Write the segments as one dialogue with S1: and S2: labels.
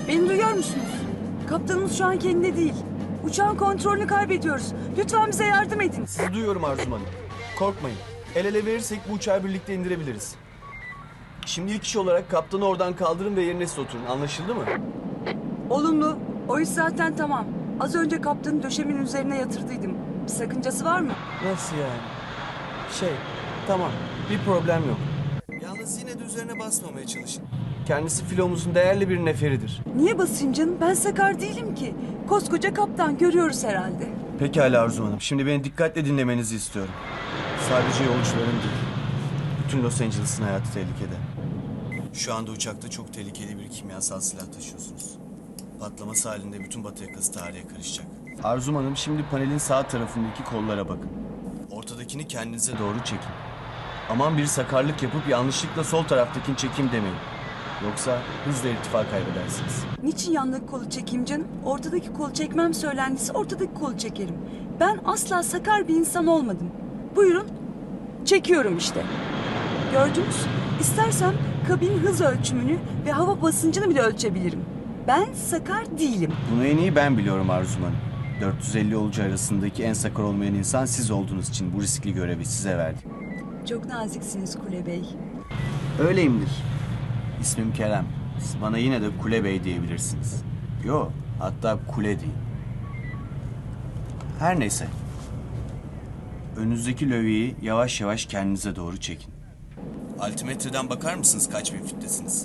S1: Beni duyuyor musunuz? Kaptanımız şu an kendinde değil. Uçağın kontrolünü kaybediyoruz. Lütfen bize yardım edin.
S2: Sizi duyuyorum Arzum Hanım. Korkmayın. El ele verirsek bu uçağı birlikte indirebiliriz. Şimdi ilk iş olarak kaptanı oradan kaldırın ve yerine siz oturun. Anlaşıldı mı?
S1: Olumlu. O iş zaten tamam. Az önce kaptanı döşemin üzerine yatırdıydım. Bir sakıncası var mı?
S2: Nasıl yani? Tamam. Bir problem yok. Yalnız yine de üzerine basmamaya çalışın. Kendisi filomuzun değerli bir neferidir.
S1: Niye basayım canım? Ben sakar değilim ki. Koskoca kaptan, görüyoruz herhalde.
S2: Pekala Arzum Hanım. Şimdi beni dikkatle dinlemenizi istiyorum. Sadece yolcuların değil. Bütün Los Angeles'ın hayatı tehlikede. Şu anda uçakta çok tehlikeli bir kimyasal silah taşıyorsunuz. Patlaması halinde bütün Batı yakası tarihe karışacak. Arzum Hanım, şimdi panelin sağ tarafındaki kollara bakın. Ortadakini kendinize doğru çekin. Aman bir sakarlık yapıp yanlışlıkla sol taraftakini çekeyim demeyin. Yoksa hızla irtifa kaybedersiniz.
S1: Niçin yandaki kolu çekeyim canım? Ortadaki kolu çekmem söylendiyse ortadaki kolu çekerim. Ben asla sakar bir insan olmadım. Buyurun. Çekiyorum işte. Gördünüz. İstersem kabin hız ölçümünü ve hava basıncını bile ölçebilirim. Ben sakar değilim.
S2: Bunu en iyi ben biliyorum Arzum Hanım. 450 yolcu arasındaki en sakar olmayan insan siz olduğunuz için bu riskli görevi size verdim.
S1: Çok naziksiniz Kule Bey.
S2: Öyleyimdir. İsmim Kerem. Siz bana yine de Kule Bey diyebilirsiniz. Yo, hatta Kule değil. Her neyse. Önünüzdeki lövyeyi yavaş yavaş kendinize doğru çekin. Altimetreden bakar mısınız kaç bin fittesiniz?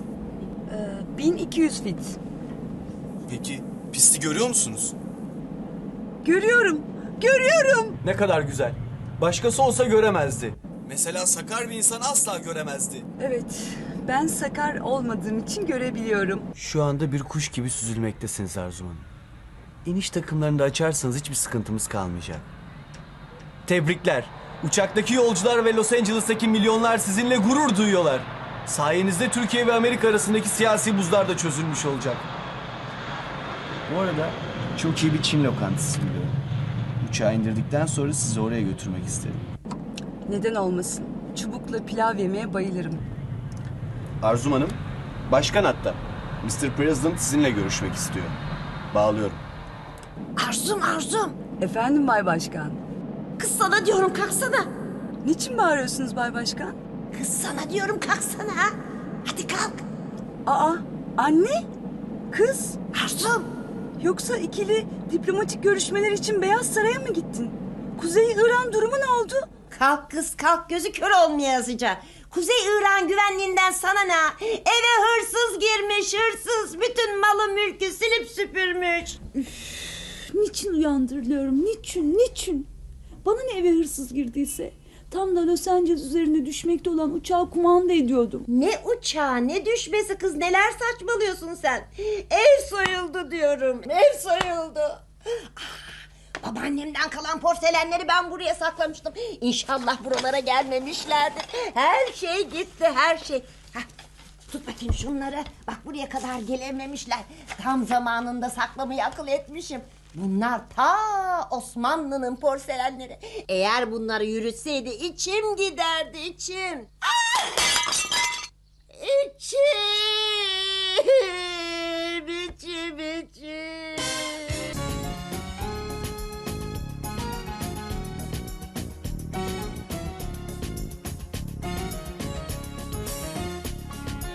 S1: 1200 fit.
S2: Peki pisti görüyor musunuz?
S1: Görüyorum. Görüyorum.
S2: Ne kadar güzel. Başkası olsa göremezdi. Mesela sakar bir insan asla göremezdi.
S1: Evet. Ben sakar olmadığım için görebiliyorum.
S2: Şu anda bir kuş gibi süzülmektesiniz Arzum Hanım. İniş takımlarını da açarsanız hiçbir sıkıntımız kalmayacak. Tebrikler. Uçaktaki yolcular ve Los Angeles'taki milyonlar sizinle gurur duyuyorlar. Sayenizde Türkiye ve Amerika arasındaki siyasi buzlar da çözülmüş olacak. Bu arada çok iyi bir Çin lokantası biliyorum. Uçağı indirdikten sonra sizi oraya götürmek isterim.
S1: Neden olmasın? Çubukla pilav yemeye bayılırım.
S2: Arzum Hanım, başkan hatta. Mr. President sizinle görüşmek istiyor. Bağlıyorum.
S3: Arzum.
S1: Efendim Bay Başkan.
S3: Kız sana diyorum kalksana.
S1: Niçin bağırıyorsunuz Bay Başkan?
S3: Kız sana diyorum kalksana. Ha? Hadi kalk.
S1: Aa, anne? Kız?
S3: Arzum.
S1: Yoksa ikili diplomatik görüşmeler için Beyaz Saray'a mı gittin? Kuzey İran durumu ne oldu?
S3: Kalk kız kalk gözü kör olmayasıca. Kuzey İran güvenliğinden sana ne? Eve hırsız girmiş hırsız. Bütün malı mülkü silip süpürmüş.
S1: Niçin uyandırılıyorum? Niçin? Bana ne eve hırsız girdiyse? Tam da Los Angeles üzerinde düşmekte olan uçağı kumanda ediyordum.
S3: Ne uçağı ne düşmesi kız neler saçmalıyorsun sen. Ev soyuldu diyorum. Ev soyuldu. Babaannemden kalan porselenleri ben buraya saklamıştım. İnşallah buralara gelmemişlerdir. Her şey gitti her şey. Hah, tut bakayım şunları. Bak buraya kadar gelememişler. Tam zamanında saklamayı akıl etmişim. Bunlar ta Osmanlı'nın porselenleri. Eğer bunları yürütseydi içim giderdi içim. İçim.